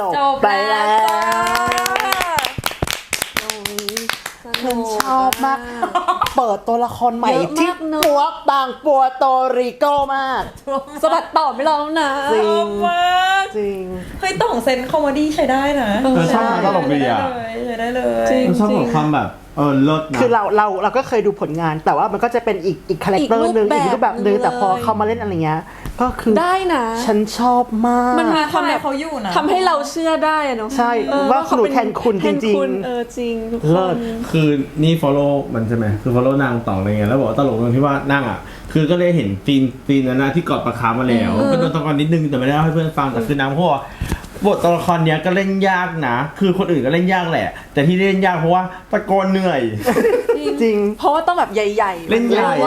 บไปแล้วฉันชอบมากเปิดตัวละครใหม่ที่ปัวบางปัวโตริโกมากสะบัดต่อไม่รอแล้วนะจริงมากจริงเฮ้ยต้องเซนคอมเมดี้ใช้ได้นะชอบตลกดีอ่ะใช้ได้เลยชอบความแบบเลิศนะคือเราก็เคยดูผลงานแต่ว่ามันก็จะเป็นอีกคาแรคเตอร์นึงอีกรูปแบบนึงแต่พอเขามาเล่นอะไรเงี้ยก็คือได้นะฉันชอบมากมันมาทำแบบเขาอยู่นะทำให้เราเชื่อได้อะเนาะใช่ว่าหนูแทนคุณจริงจริงเลิศคือนี่ follow มันใช่ไหมคือ follow นางต่ออะไรเงี้ยแล้วบอกว่าตลกตรงที่ว่านั่งอ่ะคือก็เลยเห็นฟีนนั้นนะที่กอดปลาคาร์ฟมาแล้วก็โดนตะกอนนิดนึงแต่ไม่ได้เล่าให้เพื่อนฟังแต่คือนางพูดว่าบทตัวละครเนี้ยก็เล่นยากนะคือคนอื่นก็เล่นยากแหละแต่ที่เล่นยากเพราะว่าตะโกนเหนื่อยจริงเพราะว่าต้องแบบใหญ่ๆเล่นใหญ่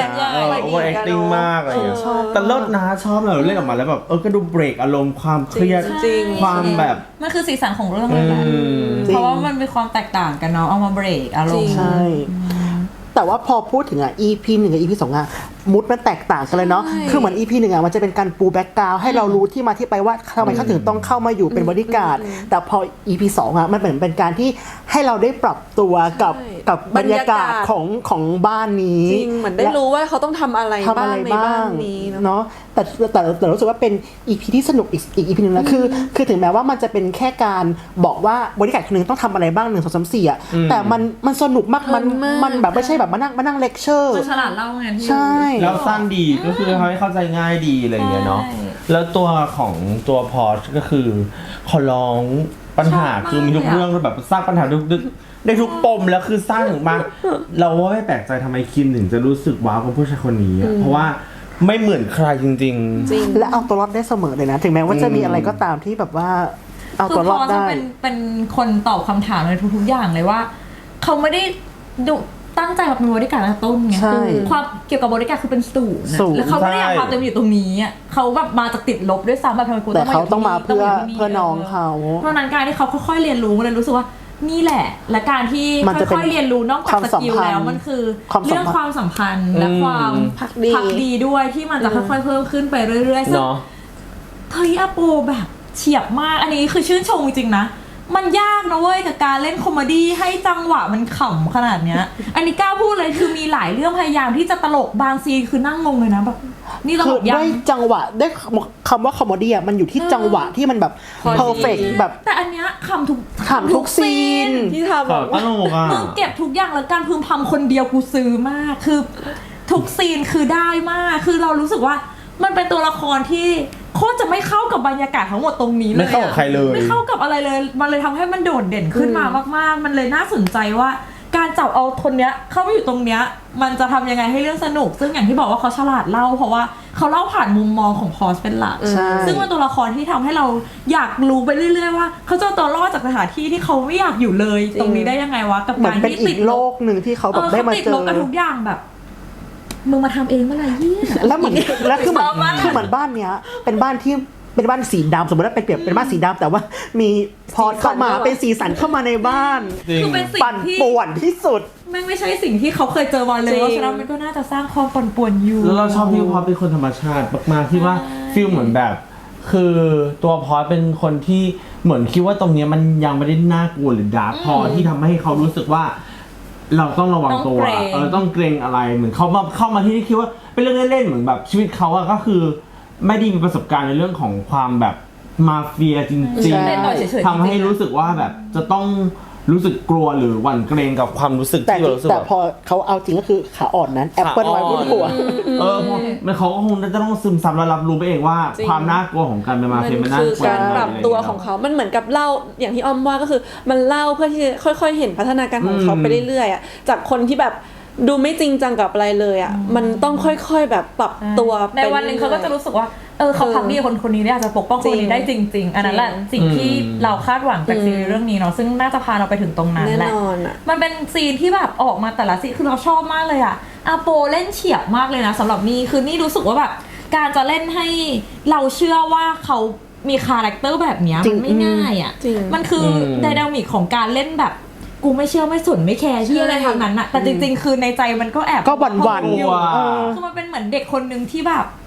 over acting มากอะไรอย่างเงี้ยแต่เลิศนะชอบเราเล่นออกมาแล้วแบบก็ดูเบรกอารมณ์ความเครียดความแบบมันคือสีสันของเรื่องเลยแหละเพราะว่ามันมีความแตกต่างกันเนาะเอามาเบรกอารมณ์ใช่แต่ว่าพอพูดถึงEP 1กับ EP 2มูดมันแตกต่างกันเลยเนาะคือเหมือน EP 1มันจะเป็นการปูแบ็กกราวด์ให้เรารู้ที่มาที่ไปว่าทำไมเขาถึงต้องเข้ามาอยู่เป็นบอดี้การ์ดแต่พอ EP 2มันเหมือนเป็นการที่ให้เราได้ปรับตัวกับบรรยากาศของบ้านนี้จริงเหมือนได้รู้ว่าเขาต้องทำอะไรบ้างในบ้านนี้เนาะแต่รู้สึกว่าเป็น EP ที่สนุกอีก EP นึงนะคือถึงแม้ว่ามันจะเป็นแค่การบอกว่าบริการคนนึงต้องทำอะไรบ้าง1 2 3 4แต่มันสนุกมากมันแบบไม่ใช่แบบมานั่งเลคเชอร์มันฉลาดเล่าไงใช่แล้วสั้นดีก็คือทำให้เข้าใจง่ายดีอะไรอย่างเงี้ยเนาะแล้วตัวของตัวพอร์ชก็คือขอร้องปัญหาคือมีทุกเรื่องแบบสร้างปัญหาดึกได้ทุกปมแล้วคือสร้างถึงมาเราว่าไม่แปลกใจทำไมคิมถึงจะรู้สึกว้าวกับผู้ชายคนนี้เพราะว่าไม่เหมือนใครจริงๆและเอาตัวรอดได้เสมอเลยนะถึงแม้ว่าจะมีอะไรก็ตามที่แบบว่าเอาตัวรอดได้เป็นคนตอบคำถามในทุกๆอย่างเลยว่าเขาไม่ได้ดุตั้งใจมาเป็นบริการต้นไงความเกี่ยวกับบริการคือเป็นศูนย์แล้วเขาไม่ได้อยากความเต็มอยู่ตรงนี้เขาแบบมาจากติดลบด้วยซ้ำแบบทำไมกูแต่เขาต้องมาเพื่อน้องเขาเพราะนั้นการที่เขาค่อยๆเรียนรู้เลยรู้สึกว่านี่แหละและการที่ค่อยๆเรียนรู้นอกจากสกิลแล้วมันคือเรื่องความสัมพันธ์และความพักดีด้วยที่มันจะค่อยๆเพิ่มขึ้นไปเรื่อยๆซึ่งเฮ้ยอาโปแบบเฉียบมากอันนี้คือชื่นชมจริงๆนะมันยากนะเว้ยกับการเล่นคอมเมดี้ให้จังหวะมันขำขนาดเนี้ยอันนี้กล้าพูดเลยคือมีหลายเรื่องพยายามที่จะตลกบางซีคือนั่งงงเลยนะแบบนี่ตลกยังด้วยจังหวะได้คำว่าคอมเมดี้มันอยู่ที่จังหวะที่มันแบบเพอร์เฟกต์แบบแต่อันเนี้ยขำทุกซีนที่ทำแบบตลกอ่ะมึงเก็บทุกอย่างแล้วการพึมพำคนเดียวกูซื้อมากคือทุกซีนคือได้มากคือเรารู้สึกว่ามันเป็นตัวละครที่โคตรจะไม่เข้ากับบรรยากาศทั้งหมดตรงนี้เลยไม่เข้ากับใครเลยไม่เข้ากับอะไรเลยมันเลยทำให้มันโดดเด่นขึ้นมามากๆมันเลยน่าสนใจว่าการจับเอาคนเนี้ยเข้าไปอยู่ตรงเนี้ยมันจะทำยังไงให้เรื่องสนุกซึ่งอย่างที่บอกว่าเขาฉลาดเล่าเพราะว่าเขาเล่าผ่านมุมมองของพอสเป็นหลักซึ่งเป็นตัวละครที่ทำให้เราอยากรู้ไปเรื่อยๆว่าเขาจะตัวรอดจากสถานที่ที่เขาไม่อยากอยู่เลยตรงนี้ได้ยังไงวะกับการที่ติดโลกนึงที่เขาแบบได้มาเจอติดลบกับทุกอย่างแบบมึงมาทำเองเมื่อไหร่เนี่ยแล้วเหมือนแล้วคือเหมือนบ้านเนี้ยเป็นบ้านที่เป็นบ้านสีดำสมมติว่าเป็นบ้านสีดำแต่ว่ามีพอเข้ามาเป็นสีสันเข้ามาในบ้านคือเป็นสิ่งที่ป่วนที่สุดไม่ใช่สิ่งที่เขาเคยเจอมาเลยเพราะฉะนั้นมันก็น่าจะสร้างความปั่นป่วนอยู่แล้วเราชอบที่พอเป็นคนธรรมชาติมากๆที่ว่าฟีลเหมือนแบบคือตัวพอเป็นคนที่เหมือนคิดว่าตรงนี้มันยังไม่ได้น่ากลัวหรือดาร์กพอที่ทำให้เขารู้สึกว่าเราต้องระวังตัวต้องเกรงอะไรเหมือนเขาเข้ามาที่นี่คิดว่าเป็นเรื่องเล่นๆเหมือนแบบชีวิตเขาก็คือไม่ได้มีประสบการณ์ในเรื่องของความแบบมาเฟียจริงๆทำให้รู้สึกว่าแบบจะต้องรู้สึกกลัวหรือหวั่นเกรงกับความรู้สึกที่เรารู้สึกแต่พอเขาเอาจริงก็คือขาอ่อนนั้นแอปเปิลไว้บนหัวมันเขาก็คงจะต้องซึมซับและรับรู้ไปเองว่าความน่ากลัวของการเป็นมาเฟียมันน่ากลัวการปรับตัวของเขามันเหมือนกับเล่าอย่างที่อ้อมว่าก็คือมันเล่าเพื่อที่จะค่อยๆเห็นพัฒนาการของเขาไปเรื่อยๆจากคนที่แบบดูไม่จริงจังกับอะไรเลยมันต้องค่อยๆแบบปรับตัวในวันนึงเขาก็จะรู้สึกว่าเขาพักดีคนนี้อาจจะปกป้องคนนี้ได้จริงๆอันนั้นแหละสิ่งที่เราคาดหวังจากซีรีส์เรื่องนี้เนาะซึ่งน่าจะพาเราไปถึงตรงนั้นแหละมันเป็นซีนที่แบบออกมาแต่ละซีนคือเราชอบมากเลยอาโปเล่นเฉียบมากเลยนะสำหรับนี่คือนี่รู้สึกว่าแบบการจะเล่นให้เราเชื่อว่าเขามีคาแรคเตอร์แบบนี้มันไม่ง่ายมันคือไดนามิกของการเล่นแบบกูไม่เชื่อไม่สนไม่แคร์ที่อะไรทางนั้นแต่จริงๆคือในใจมันก็แอบก็หวั่นๆอยู่คือมันเป็นเหมือนเด็กคนนึงที่แบบ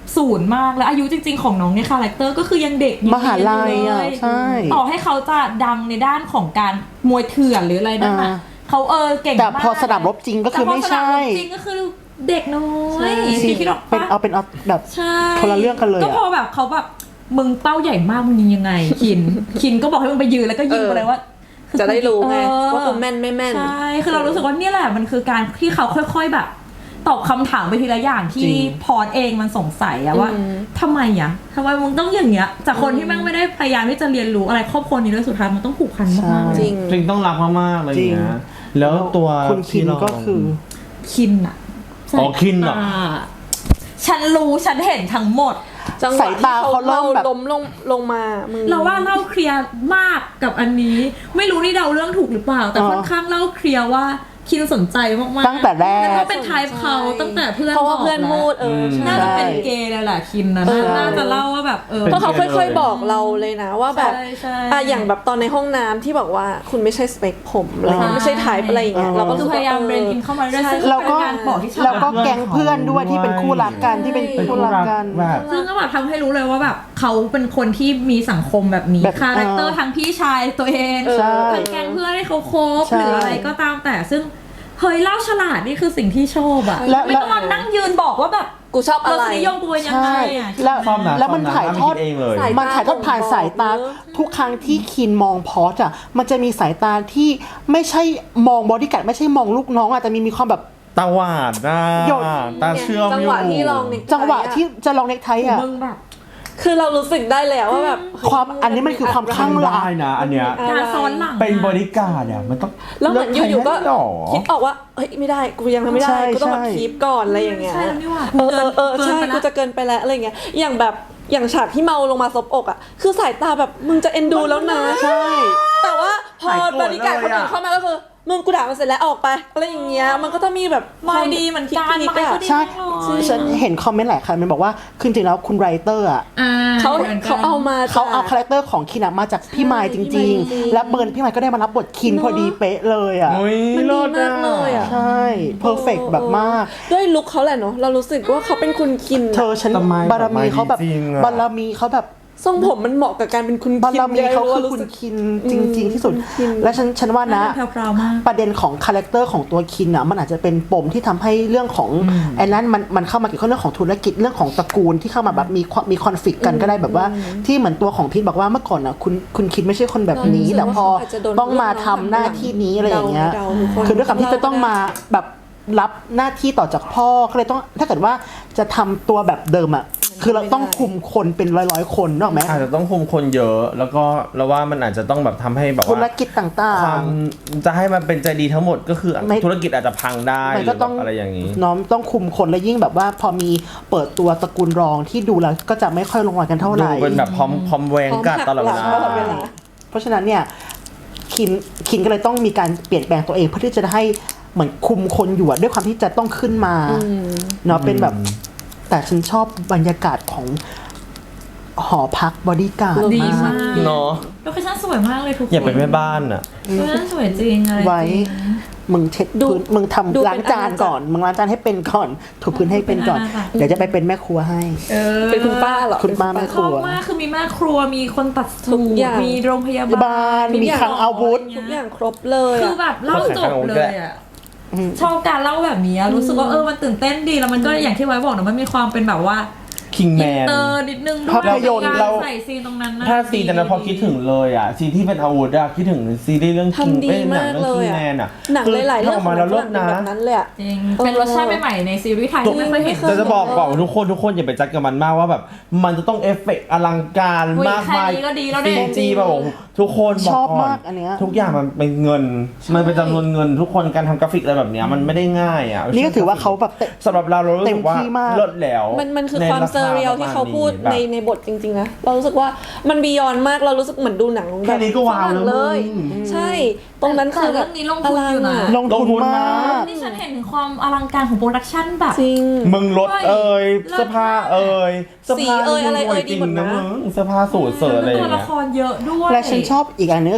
ศูนย์มากแล้วอายุจริงๆของน้องเนี่ยคาแรคเตอร์ก็คือยังเด็กมหาลัยอ่ะใช่ต่อให้เขาจะดังในด้านของการมวยเถื่อนหรืออะไรนั่นน่ะเขาเก่งมากแต่พอสนามรบจริงก็คือไม่ใช่แต่พอสนามรบจริงก็คือเด็กน้อยคิดออกเป็นปะเอาแบบใช่คนละเรื่องกันเลยก็พอแบบเขาแบบมึงเป้าใหญ่มากมึงยิงยังไงคินก็บอกให้มึงไปยืนแล้วก็ยิงไปเลยว่าจะได้รู้ไงว่ากูแม่นไม่แม่นใช่คือเรารู้สึกว่านี่แหละมันคือการที่เขาค่อยๆแบบตอบคำถามไปทีละอย่างที่พอดเองมันสงสัยอะว่าทำไมมึงต้องอย่างเงี้ยจากคนที่แม่งไม่ได้พยายามที่จะเรียนรู้อะไรครอบครัวนี้ด้วยสุดท้ายมันต้องผูกพันมากๆจริงจริงต้องรักมากๆเลยนะแล้วตัวคุณคินก็คือคินอะอ๋อคินเหรอฉันรู้ฉันเห็นทั้งหมดจังหวะที่เขาเล่าล้มลงมามึงเราว่าเล่าเคลียร์มากกับอันนี้ ไม่รู้นี่เดาเรื่องถูกหรือเปล่า แต่ค่อนข้างเล่าเคลียร์ว่าคินสนใจมากๆตั้งแต่แรกแล้วก็เป็นไทป์เขาตั้งแต่เพื่อนเพราะว่าเพื่อนพูดน่าจะใช่เป็นเกย์เลยแหละคินนะน่าจะเล่าว่าแบบเพราะเขาค่อยๆบอกเราเลยนะว่าแบบใช่อย่างแบบตอนในห้องน้ำที่บอกว่าคุณไม่ใช่สเปคผมอะไรเงี้ยไม่ใช่ไทป์อะไรอย่างเงี้ยเราก็คือพยายามเบรนอินเข้ามาเรื่อยๆซึ่งแล้วก็เป็นการบอกที่ฉลาดแล้วก็แก๊งเพื่อนด้วยที่เป็นคู่รักกันที่เป็นคู่รักกันแบบซึ่งก็แบบทำให้รู้เลยว่าแบบเขาเป็นคนที่มีสังคมแบบนี้แบบคาแรคเตอร์ทั้งพี่ชายตัวเองใช่ทั้งแก๊งเพื่อนให้เขาคบใช่หรืออะไรก็ตามแต่ซึ่งเฮ้ยเล่าฉลาดนี่คือสิ่งที่ชอบอะและไม่ต้องมานั่งยืนบอกว่าแบบกูชอบรอะไรสนิยมกูเป็นยังไงใช่อะแล้วชอบนะแล้วมันถ่ายทอดเองเลยมันถ่ายทอดผ่านสายตาทุกครั้งที่คินมองพอสอะมันจะมีสายตาที่ไม่ใช่มองบอดี้การ์ดไม่ใช่มองลูกน้องอะแต่มีความแบบตาหวาดนะหยดตาเชื่อมจังอยู่หวะที่ลองเน็กไทจังหวะที่จะลองเน็กไทอะมึงแบบคือเรารู้สึกได้เลยว่าแบบความอันนี้มันคือความข้างรักได้นะอันเนี้ยการซ้อนหลังเป็นบริการเนี่ยมันต้องแล้วเหมือนอยู่ๆก็เลืใครได้หรอคิดออกว่าเฮ้ยไม่ได้กูยังทำไม่ได้ใช่กูต้องแบบใช่คีปก่อนอะไรอย่างเงี้ยใช่แล้วนี่หว่าใช่กูจะเกินไปแล้วอะไรเงี้ยอย่างแบบอย่างฉากที่เมาลงมาซบอกอ่ะคือสายตาแบบมึงจะเอ็นดูแล้วนะใช่แต่ว่าพอหายโกรธบริการคนอื่นเลยอะเข้ามาก็คือมึงกูด่ามันเสร็จแล้วออกไปอะไรอย่างเงี้ยมันก็ต้องมีแบบไม่ดีเหมือนกันคิไม่อะก็ดีใช่มากเลยฉันเห็นคอมเมนต์หลายครั้งมันบอกว่าคือจริงๆแล้วคุณไรเตอร์อะเขาหมือนกันเขาเอามาเขาเอาคาแรคเตอร์ของคินอะมาจากพี่ไมค์จริง ๆ และเบิร์นพี่ไมค์ก็ได้มารับบทคินพอดีเป๊ะเลยอะโอ้ยมันดีเลิศมากเลยอะใช่เพอร์เฟกแบบมากด้วยลุคเขาแหละเนาะเรารู้สึกว่าเขาเป็นคุณคินเธอฉันทำไมบารมีเขาแบบจริงๆอะบารมีเขาแบบทรงผมมันเหมาะกับการเป็นคุณบาคินรมีเขาคือรู้คุณสึกคินจริง ๆ ที่สุดคินและฉันว่านะแพรวๆมากประเด็นของคาแรคเตอร์ของตัวคินอ่ะมันอาจจะเป็นปมที่ทำให้เรื่องของไอ้นั้นมันเข้ามาเกี่ยวข้องเรื่องของธุรกิจเรื่องของตระกูลที่เข้ามาแบบมีคอนฟ lict กันก็ได้แบบว่าที่เหมือนตัวของพีทบอกว่าเมื่อก่อนอ่ะคุณคินไม่ใช่คนแบบนี้เรารู้สึกแต่พอว่าเขาอาจจะโดนต้องมาทำหน้าที่นี้อะไรอย่างเงี้ยเดาทุกคนคือด้วยความที่จะต้องมาแบบรับหน้าที่ต่อจากพ่อก็เลยต้องถ้าเกิดว่าจะทำตัวแบบเดิมอ่ะคือเราต้องคุมคนเป็นร้อยๆคนนึกออกไหมอาจจะต้องคุมคนเยอะ แล้วก็เราว่ามันอาจจะต้องแบบทำให้แบบธุรว่ากิจต่างความจะให้มันเป็นใจดีทั้งหมดก็คือไม่ธุรกิจอาจจะพังได้ๆหมันรือก็แบต้องบอะไรอย่างนี้น้อมต้องคุมคนและยิ่งแบบว่าพอมีเปิดตัวตระกูลรองที่ดูแล้วก็จะไม่ค่อยลงรอยกันเท่าไหดูร่เป็นแบบพร้อมแวงกัดตลอดเวลาพร้อมหักหลังตลอดเวลาเพราะฉะนั้นเนี่ยคินก็เลยต้องมีการเปลี่ยนแปลงตัวเองเพื่อที่จะให้เหมือนคุมคนอยู่อะด้วยความที่จะต้องขึ้นมาเนาะเป็นแบบ แต่ฉันชอบบรรยากาศของหอพักบอดี้การ์ดดีมามาก กเนาะโลเคชั่นสวยมากเลยทุกคนอย่าเป็นแม่บ้านอ่ะโลเคชั่นสวยจริงอะไรไว้จริงมึงเช็ดดูพื้นมึงดูทำเป็นล้างจานก่อน มึงล้างจานให้เป็นก่อน ถูพื้นให้เป็นก่อนเป็นอาณาจักรเดี๋ยวจะไปเป็นแม่ครัวให้เป็นคุณป้าเหรอคุณป้าแม่ชอบมากคือมีแม่ครัวมีคนตัดสูทุกอย่างมีโรงพยาบ้าบาลนมีคลังอาวุธทุกอย่างครบเลยคืออะแบบเล่าจบเลยอ่ะชอบการเล่าแบบนี้อะรู้สึกว่ามันตื่นเต้นดีแล้วมันก็อย่างที่ไว้บอกนะมันมีความเป็นแบบว่าคิงแมอินนเตอร์นิดนึงด้วยภาพยนตร์การเราใส่ซีนตรงนั้นนะถ้าซีนแต่นั้นพอคิดถึงเลยอ่ะซีนที่เป็นอาวุธอะคิดถึงซีรีส์เรื่องคิงทำดีเป็นหนัมาง กเรื่องเลคิยงอะแมนอ่ะหนังหลายๆเรื่องออกมาแล้วขเลิงศหนังนะแบบนั้นเลยอะจริงเป็นรสชาติใหม่ๆในซีรีส์ไทยที่ไม่เคยเห็นแต่จะบอกก่อนทุกคนอย่าไปจัดกับมันมากว่าแบบมันจะต้องเอฟเฟกต์อลังการอุ๊ยมากมายแค่นี้ก็ดีแล้วเนี่ยซีจีแบบโอ้โหทุกคนบชออก บก่อนมากอันเนี้ยทุกอย่างมันเป็นเงิน มันเป็นจำนวนเงินทุกคนการทำกราฟิกอะไรแบบเนี้ยมันไม่ได้ง่ายอ่ะนี่ก็ถือว่าเขาแบบเตะสำหรับเรารู้สึกว่าเต็มที่มากเลิศแล้วมันคือในความรเซอร์เรียลที่เขาพูดแบบในบทจริงๆนะเรารู้สึกว่ามันบียอนมากเรารู้สึกเหมือนดูหนังแบแค่บนี้ก็ว้าวฝรั่งแล้วเลยมึงใช่ ตรงนั้นคือแต่เรื่องนี้ลงทุนอยู่นะลงทุนมากนี่ฉันเห็นถึงความอลังการของโปรดักชั่นแบบจริงมึงรถเอ่ยเลิศเสื้อผ้าเอ่ยเสื้อผ้าสีเอ่ยอะไรเอ่ยจริงดีหมดนะมึงเสื้อผ้าสูทเสิร์อะไรอตัวย่างละเงี้ยครเยอะด้วยและฉันชอบอีกอันนึงก็คือ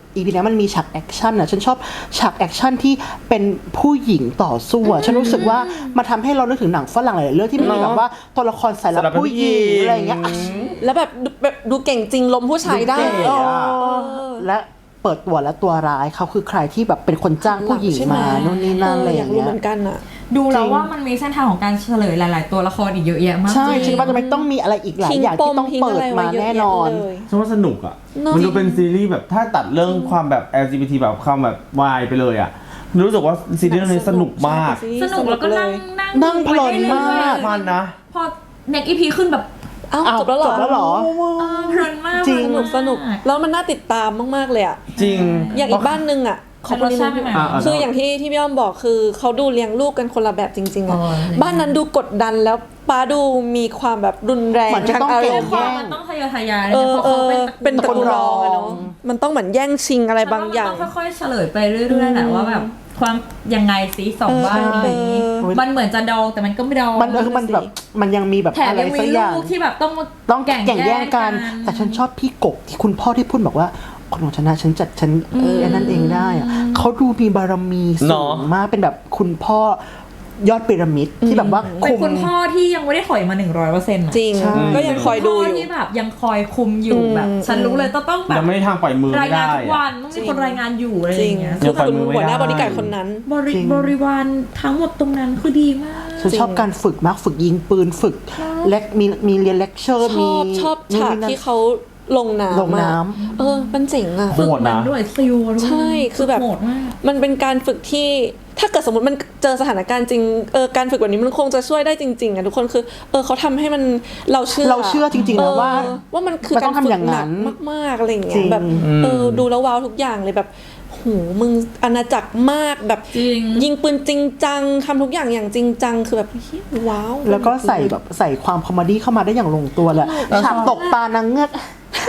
EP นี้มันมีฉากแอคชั่นอ่ะฉันชอบฉากแอคชั่นที่เป็นผู้หญิงต่อสู้อ่ะฉันรู้สึกว่ามันทำให้เรานึกถึงหนังฝรั่งหลายๆเรื่องที่มีแบบว่าตัวละครสายลับผู้หญิงอะไรอย่างเงี้ยแล้วแบบดูเก่งจริงล้มผู้ชายได้เก๋และเปิดตัวและตัวร้ายเขาคือใครที่แบบเป็นคนจ้างผู้หญิงมานู่นนี่นั่นอะไรอย่างรู้เงี้ยเหมือนกันอ่ะดูแล้วว่ามันมีเส้นทางของการเฉลยหลาย ๆ ตัวละครอีกเยอะแยะมากใช่จริงคิดว่าจะไม่ต้องมีอะไรอีกหลายอย่างที่ต้องเปิดมาแน่นอนฉันว่าสนุกอ่ะเนอะมันดูเป็นซีรีส์แบบถ้าตัดเรื่องความแบบ LGBT แบบความแบบวายไปเลยอ่ะรู้สึกว่าซีรีส์เรื่องนี้สนุกมากสนุกแล้วก็นั่งเพลินมากมันนะพอ next EP ขึ้นแบบอ้าวจบแล้วเหรอจบแล้วเหรอเพลินมากจริงสนุกแล้วมันน่าติดตามมากๆเลยอ่ะจริงอย่างอีกบ้านนึงอ่ะของรสชาติใหม่คืออย่างที่พี่อ้อมบอกคือเขาดูเลี้ยงลูกกันคนละแบบจริงๆอ่ะอ๋อบ้านนั้นดูกดดันแล้วป้าดูมีความแบบรุนแรงเหมือนจะทางต้องอารเก่งมณ์ความมันต้องทะเยอทะยานเออเพราะเขาเป็นตระกูลรองอะเนาะตระกูลรองมันต้องเหมือนแย่งชิงอะไรบางอย่างมันต้องค่อยๆเฉลยไปเรื่อยๆแหละว่าแบบความยังไงสิสองบ้านนี้ มันเหมือนจะดองแต่มันก็ไม่ดองมันคือมันแบบมันยังมีแบบแถมอะไรยังสัมีกอลูย่างกที่แบบต้องมาต้องแข่งแย่งกัน แต่ฉันชอบพี่กบที่คุณพ่อที่พูดบอกว่าคนของฉันนะฉันจัดฉันอันนั้นเองได้อะเขาดูมีบารมีสูเนอะงมากเป็นแบบคุณพ่อยอดพีระมิดที่แบบว่าเป็นคุมคุณพ่อที่ยังไม่ได้ถอยมา 100% จริงใช่ก็ยังคอยดูอยู่ที่แบบยังคอยคุมอยู่แบบ ฉันรู้เลยต้องแบบยังไม่ได้ทางปล่อยมือรายไม่งานได้ทุกวันต้องมีคนรายงานอยู่อะไรจอริงย่างเงี้ยคือคุณยังปล่อยมือไม่หัวหน้าได้บริการคนนั้นจริงบริวารทั้งหมดตรงนั้นคือดีมากฉันชอบการฝึกมากฝึกยิงปืนฝึกและมีเรียนเลคเชอร์ชอบฉากที่เขาลงน้ำลงน้มันเจ๋งอ่ะโหดนะด้วยซิลด้วยใช่คือแบบโหดมากมันเป็นการฝึกที่ถ้าเกิดสมมติมันเจอสถานการณ์จริงการฝึกแบบนี้มันคงจะช่วยได้จริงๆอ่ะทุกคนคือเขาทำให้มันเราเชื่อจริงๆนะว่าว่ามันคือมันกาต้รองทำฝึอก ย่างหนั้นักนมากๆอะไรอย่างจเงี้ริยงแบบดูแล้วว้าวทุกอย่างเลยแบบโหมึงอาณาจักรมากแบบจริงยิงปืนจริงจังทำทุกอย่างอย่างจริงจังคือแบบเฮ้ยว้าวแล้วก็ใส่ความคอมเมดี้เข้ามาได้อย่างลงตัวเลยฉากตกปลานางเงือก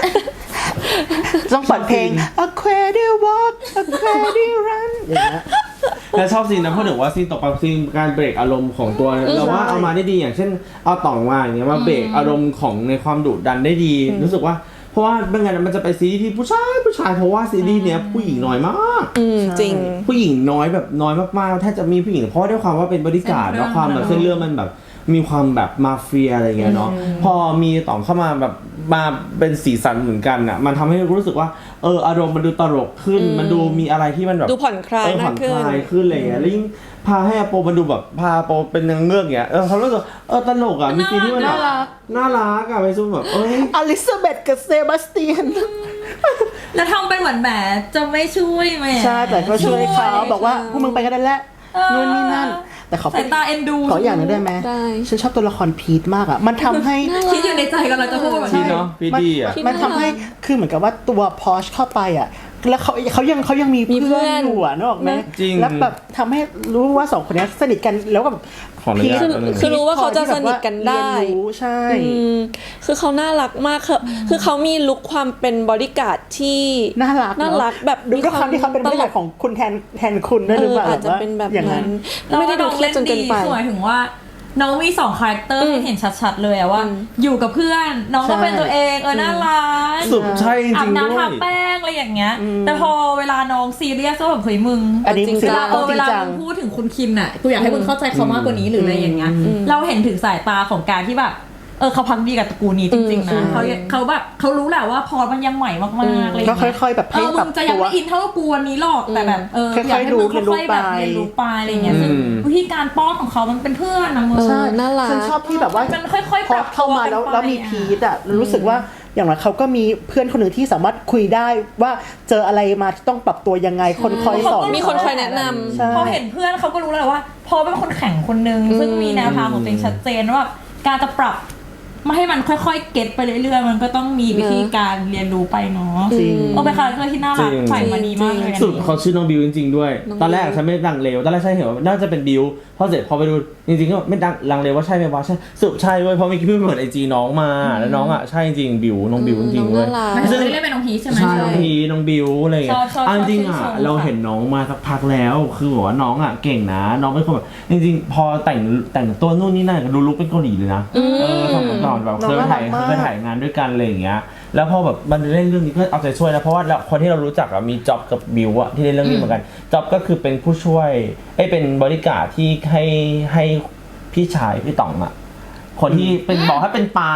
ต้องเปิดเพลง Aquatic Walk Aquatic Run อย่างเงี้ยแล้วชอบซีนนะพูดถึงว่าซีนตกปลาซีนการเบรกอารมณ์ของตัวเราว่าเอามาได้ดีอย่างเช่นเอาต่องมาอย่างเงี้ยมาเบรกอารมณ์ของในความดุดันได้ดี รู้สึกว่าเพราะว่าไม่งั้นมันจะไปซีรีส์ที่ผู้ชายเพราะว่าซีรีส์เนี้ยผู้หญิงน้อยมากจริงผู้หญิงน้อยแบบน้อยมากๆแทบจะมีผู้หญิงเพราะว่าด้วยความว่าเป็นบริการดแล้วความแบบเส้นเรื่องมันแบบมีความแบบมาเฟียอะไรเงี้ยเนาะพอมีต่องเข้ามาแบบมาเป็นสีสันเหมือนกันอ่ะมันทำให้รู้สึกว่าอารมณ์มันดูตลกขึ้นมันดูมีอะไรที่มันแบบดูผ่อนคลายผ่มาอก นขึ้นคลายขึ้นอะไรเงี้ยแล้วยิ่งพาให้อโปมันดูแบบพาอโปเป็นนางเงือกเงี้ยเขารู้สึกตลกอ่ะมีซีนที่มันแบบน่ารักอ่ะไปซูแบบอลิซาเบธกับเซบาสเตียนแล้วทำเป็นเหมือนแหมจะไม่ช่วยแหมใช่แต่ก็ช่วยเขาบอกว่าพวกมึงไปกันได้แล้วนู่นนี่นั่น แต่เขาสายตาเอ็นดูขออย่างหนึงได้ไหมได้ฉันชอบตัวละครพีทมากอ่ะมันทำให้คิดอยู่ในใจกำลังจะพูดแบบพีนี้เนาะพีดีอ่ะมันทำให้คือเหมือนกับว่าตัวพอชเข้าไปอ่ะแล้วเขายังมีมีเพื่เพื่ออน นอยู่อ่ะนึกออกไหมจริงแล้วแบบทำให้รู้ว่าสองคนนี้สนิทกันแล้วแบบขออนุญาตคือรู้ว่าเขาจะสนิทกันได้เรียนรู้ใช่คือเขาน่ารักมากคือเขามีลุคความเป็นบอดี้การ์ดที่น่ารักน่ารักแบบดูด้วยความที่เขาเป็นบริษัทของคุณแทนคุณด้วยหรือเปล่าอาจจะเป็นแบบอย่างนั้นั้น นไม่ได้ดูเครียดจนเกินไปคือหมายถึงว่าน้องมี2คาแรคเตอร์ให้เห็นชัดๆเลยอะว่า อยู่กับเพื่อนน้องก็เป็นตัวเองน่ารักสุดใช่จอาริบงๆด้น้ำวทาย แป้งอะไรอย่างเงี้ย แต่พอเวลาน้องซีเรียสก็แบบเฮ้ยมึงอันนี้จริงคือจัเราต้องจเวริงลาจังมึงพูดถึงคุณคินอะกูอยากให้มึงเข้าใจเขามากกว่านี้หรืออะไรอย่างเงี้ยเราเห็นถึงสายตาของการที่แบบเขาพักดีกับตระกูลนี้จริงๆนะเขาแบบเขารู้แหละว่าพอมันยังใหม่มากๆอะไรอย่างก็เงี้ยค่อยๆแบบให้มึปรับงจะยังตัวไม่อินเท่ากูวันนี้หรอกแต่แบบอยากให้มึงค่อยๆแบบเรียนรู้ไปอะไรอย่างเงี้ยซึ่งวิธีการป้อนของเขามันเป็นเพื่อนนะมึงใช่น่ารักฉันชอบที่แบบว่ามันค่อยๆพอปรับเข้ามาแล้วตัวกันไปแล้วมีพีทอ่ะรู้สึกว่าอย่างไรเขาก็มีเพื่อนคนหนึ่งที่สามารถคุยได้ว่าเจออะไรมาที่ต้องปรับตัวยังไงคนคอยสอนมีคนคอยแนะนำใช่พอเห็นเพื่อนเขาก็รู้แล้วว่า พอเป็นคนแข่งคนนึงซึ่งมีแนวทางของตัวเองชัดเจนว่าการจะปรับไม่ให้มันค่อยๆเก็ตไปเรื่อยๆมันก็ต้องมีวิธีการเรียนรู้ไปเนาะจริงเป็นคาแรคเตอร์ที่น่ารักจริงใส่มาดีมากเลยสุดเขาชื่อน้องบิวจริงๆด้วยน้องบิวตอนแรกฉันไม่ดังเลวตอนแรกฉันเห็นว่าน่าจะเป็นบิวพอเสร็จพอไปดูจริงๆก็ไม่ดังลังเลว่าใช่ไหมวะใช่สรุปใช่เว้ยเพราะเมื่อกี้เพิ่งเปิดไอจีน้องมาแล้วน้องอ่ะใช่จริงบิวน้องบิวจริงๆเว้ยน่ารักมันจะเล่นเป็นน้องพีชใช่ไหมใช่น้องพีน้องบิวอะไรอย่างเงี้ยชอบเอาจริงๆชอ่ะอบเราเห็นน้องมาสักพักแล้วคือบอกว่าน้องอ่ะเก่งนะน้องเป็นคนแบบจริงๆ พอแต่งตัวนู่นนี่นั่นก็ดูลุคเป็นเกาหลีเลยนะทำก่อนแบบเคยถ่ายงานด้วยกันอะไรอย่างเงี้ยแล้วพอแบบมันเล่นเรื่องนี้ก็เอาใจช่วยนะเพราะว่าคนที่เรารู้จักมีจ็อบกับบิวอะที่เล่นเรื่องนี้เหมือนกันจ็อบก็คือเป็นผู้ช่วยเป็นบริการที่ให้พี่ชายพี่ต๋องอะคนที่เป็นบอกให้เป็นปลา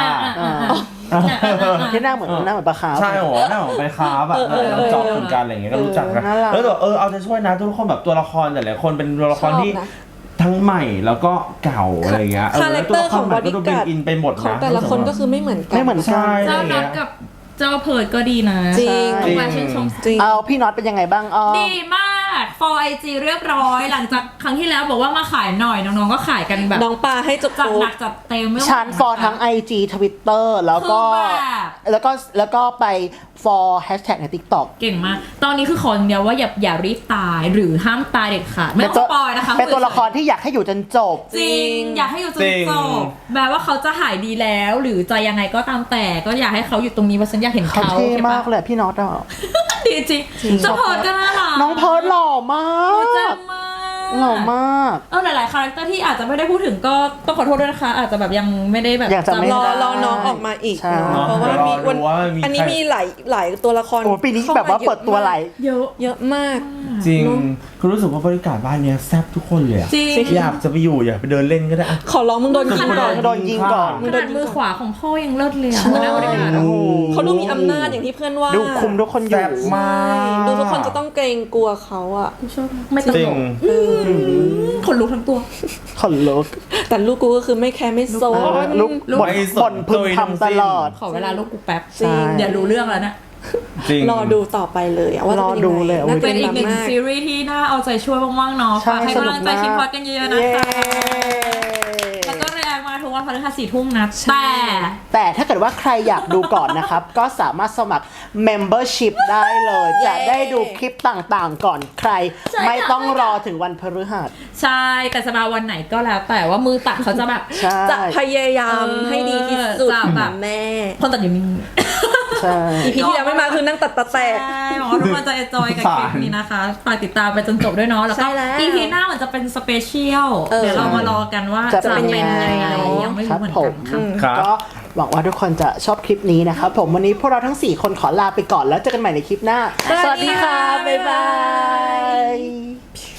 ที่หน้าเหมือนปลาขาวใช่หรอหน้าเหมือนไปค้าแบบน้องจ็อบเหมือนกันอะไรอย่างเงี้ยก็รู้จักกันแล้วแบบเอาใจช่วยนะทุกคนแบบตัวละครแต่ละคนเป็นตัวละครที่ทั้งใหม่แล้วก็เก่าอะไรเงี้ยคาแรคเตอร์ของบอดี้การ์ดอินไปหมดของนะแต่ละคนก็คือไม่เหมือนกันใช่เจ้าน็อตกับเจ้าเพิร์ดก็ดีนะจริงต้องมาชื่นชมจริงเอาพี่น็อตเป็นยังไงบ้างดีมาก for IG เรียบร้อยหลังจากครั้งที่แล้วบอกว่ามาขายหน่อยน้องๆก็ขายกันแบบน้องปลาให้จบจัดหนักจัดเต็มไม่ไหวชันฟอร์ทั้ง IG Twitter แล้วก็ไป for hashtag ใน TikTok เก่งมากตอนนี้คือขออย่างเดียวว่าอย่ารีบตายหรือห้ามตายเด็ดขาดไม่ต้องสปอยนะคะเป็นตัวละครที่อยากให้อยู่จนจบจริงอยากให้อยู่จนจบแม้ว่าเขาจะหายดีแล้วหรือจะยังไงก็ตามแต่ก็อยากให้เขาอยู่ตรงนี้เพราะฉันอยากเห็นเขาเขาเท่มากเลยพี่น็อตอ่ะดีจริงเจ้าเพิร์ดก็น่ารักน้องเพิร์ดหล่อมากแจ่มมากหล่อมากหลายๆคาแรคเตอร์ที่อาจจะไม่ได้พูดถึงก็ต้องขอโทษด้วยนะคะอาจจะแบบยังไม่ได้แบบอยากจะไม่รอน้องออกมาอีกใช่เนาะเพราะว่าอันนี้มีหลายตัวละครโอ้ปีนี้แบบว่าเปิดตัวไหลเยอะมากจริงคือรู้สึกว่าบริการบ้านเนี้ยแซ่บทุกคนเลยอะจริงอยากจะไปอยู่อยากไปเดินเล่นก็ได้ขอร้องมึงโดนยิงก่อนโดนยิงก่อนขนาดมือขวาของพ่อยังเลิศเลยอะหัวหน้าบริการโอ้โหเขาดูมีอำนาจอย่างที่เพื่อนว่าดูคุมทุกคนอยู่แซ่บมากดูทุกคนจะต้องเกรงกลัวเขาอะไม่ตจริลงกขนลุกทั้งตัวขนลุกแต่ลูกกูก็คือไม่แคร์ไม่โซนลุกลุกบ่นพึมพำตลอดขอเวลาลูกกูแป๊บจริงเดี๋ยวรู้เรื่องแล้วนะจริงรอดูต่อไปเลยอะว่าจะเป็นรอดูยังเลไงยน่าเป็เป็น นอีกหนึ่งมากซีรีส์ที่น่าเอาใจช่วยมากๆเนาะใช่ฝากให้กำลังใจสนุกมากคิมพอดกันเยอะๆนะคะ แล้วก็แรงมาทุกวันพฤหัส4 ทุ่มนะแต่ถ้าเกิดว่าใครอยากดูก่อนนะครับ ก็สามารถสมัคร membership ได้เลย จะได้ดูคลิปต่างๆก่อนใคร ไม่ต้องรอถึงวันพฤหัสใช่แต่จะมาวันไหนก็แล้วแต่ว่ามือตัดเขาจะแบบใช่จะพยายามให้ดีที่สุดจะแบบแม่คนตัดอยู่นิ่งใช่อีพีที่แล้วไม่มาคือนั่งตัดตะแตกใช่หวังว่าทุกคนจะเอนจอยกับคลิปนี้นะคะฝากติดตามไปจนจบด้วยเนาะแล้วก็ใช่แล้ว EP หน้ามันจะเป็นสเปเชียลเดี๋เดี๋ยวเรามารอกันว่าจะจะเป็เป็น นยังยังไงไงยังไม่รู้เหมือนกันค่ะครับก็หวังว่าทุกคนจะชอบคลิปนี้นะครับผมวันนี้พวกเราทั้ง 4 คนขอลาไปก่อนแล้วเจอกันใหม่ในคลิปหน้าสวัสดีค่ะบ๊ายบาย